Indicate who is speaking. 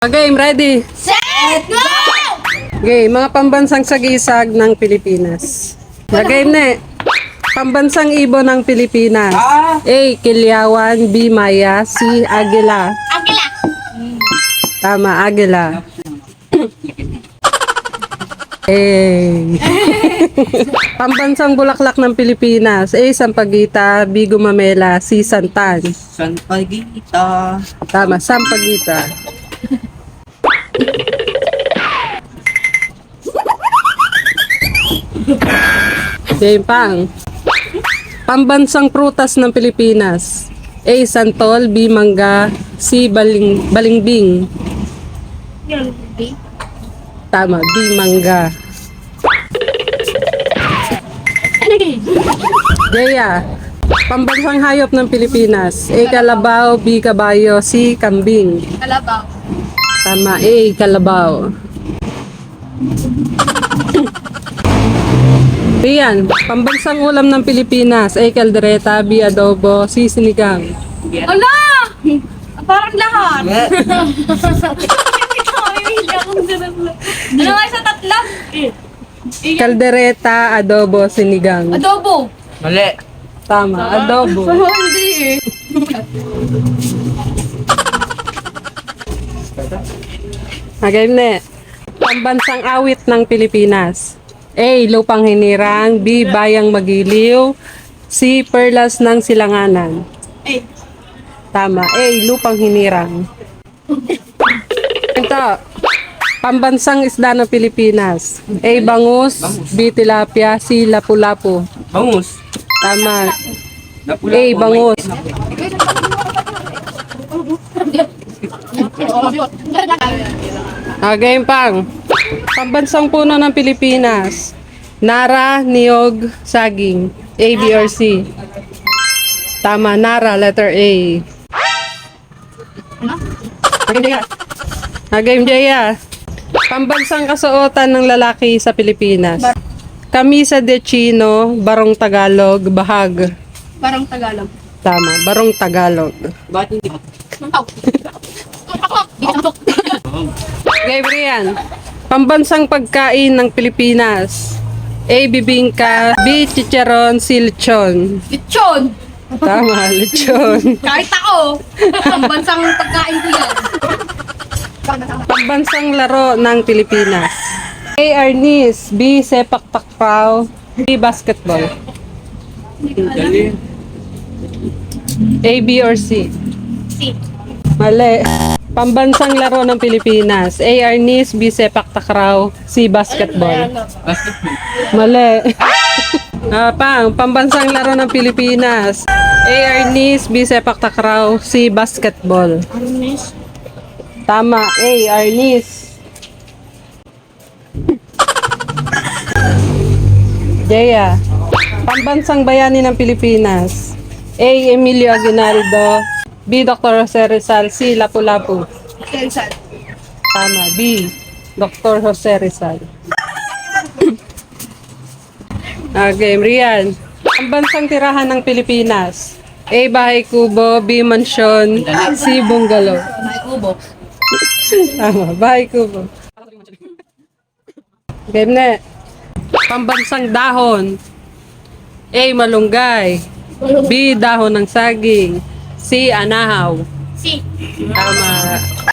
Speaker 1: Game, ready?
Speaker 2: Set, go!
Speaker 1: Game, mga pambansang sagisag ng Pilipinas. Game na Pambansang ibon ng Pilipinas. A. Kilyawan. B. Maya. C. Agila.
Speaker 2: Agila.
Speaker 1: Tama, Agila. Pambansang bulaklak ng Pilipinas. A. Sampaguita. B. Gumamela. C. Santan.
Speaker 3: Sampaguita.
Speaker 1: Tama, Sampaguita. Game pang. Pambansang prutas ng Pilipinas. A. Santol. B. Mangga. C. Balimbing. Tama, B. Mangga. Jaya. Pambansang hayop ng Pilipinas. A. Kalabaw. B. Kabayo. C. Kambing.
Speaker 2: Kalabaw.
Speaker 1: Tama, A. Kalabaw. Rian, pambansang ulam ng Pilipinas. A. Caldereta. B. Adobo. C. Sinigang.
Speaker 2: Ala! Parang lahat. Ano nga sa tatlo?
Speaker 1: Caldereta, adobo, sinigang.
Speaker 2: Adobo.
Speaker 3: Mali.
Speaker 1: Tama, adobo.
Speaker 2: Hindi eh.
Speaker 1: Game na. Pambansang awit ng Pilipinas. A. Lupang Hinirang. B. Bayang Magiliw. C. Perlas ng Silanganan.
Speaker 2: Eh.
Speaker 1: Tama, A. Lupang Hinirang. Ito. Pambansang isda ng Pilipinas. A. Bangus. B. Tilapia. C. Lapu-lapu.
Speaker 3: Bangus.
Speaker 1: Tama.
Speaker 3: Napula
Speaker 1: A.
Speaker 3: ko,
Speaker 1: Bangus. Game pang. Pambansang puno ng Pilipinas. Nara, niyog, saging. A, B, or C? Tama, Nara, letter A. Game Jaya. Pambansang kasuotan ng lalaki sa Pilipinas. Kamisa de Chino, Barong Tagalog, Bahag.
Speaker 2: Parang Tagalog.
Speaker 1: Tama, Barong Tagalog.
Speaker 3: Ba't hindi?
Speaker 1: Game Rian. Pambansang pagkain ng Pilipinas. A. Bibingka. B. Chicharon. C. Lechon.
Speaker 2: Lechon.
Speaker 1: Tama, lechon.
Speaker 2: Kahit ako. Ang bansang pagkain ko yan.
Speaker 1: Pambansang laro ng Pilipinas. A. Arnis. B. Sepak takraw. C. Basketball.
Speaker 3: Dali.
Speaker 1: A, B, or C?
Speaker 2: Si.
Speaker 1: Mali. Pambansang laro ng Pilipinas. A. Arnis. B. Sepak takraw. C. Basketball.
Speaker 3: Basketball.
Speaker 1: Mali. Pambansang laro ng Pilipinas. A. Arnis. B. Sepak takraw. C. Basketball.
Speaker 2: Arnis.
Speaker 1: Tama. A. Arnis. Jaya. Pambansang bayani ng Pilipinas. A. Emilio Aguinaldo. B. Dr. Jose Rizal. C. Lapu-Lapu.
Speaker 2: Kelsan.
Speaker 1: Tama. B. Dr. Jose Rizal. Game, Rian. Pambansang tirahan ng Pilipinas. A. Bahay Kubo. B. Mansyon. C. Bungalow.
Speaker 2: Naikubo.
Speaker 1: Tama. Bahay Kubo. Game na. Pambansang dahon. A. Malunggay. B. Dahon ng saging. C. Anahaw.
Speaker 2: Si.
Speaker 1: Tama.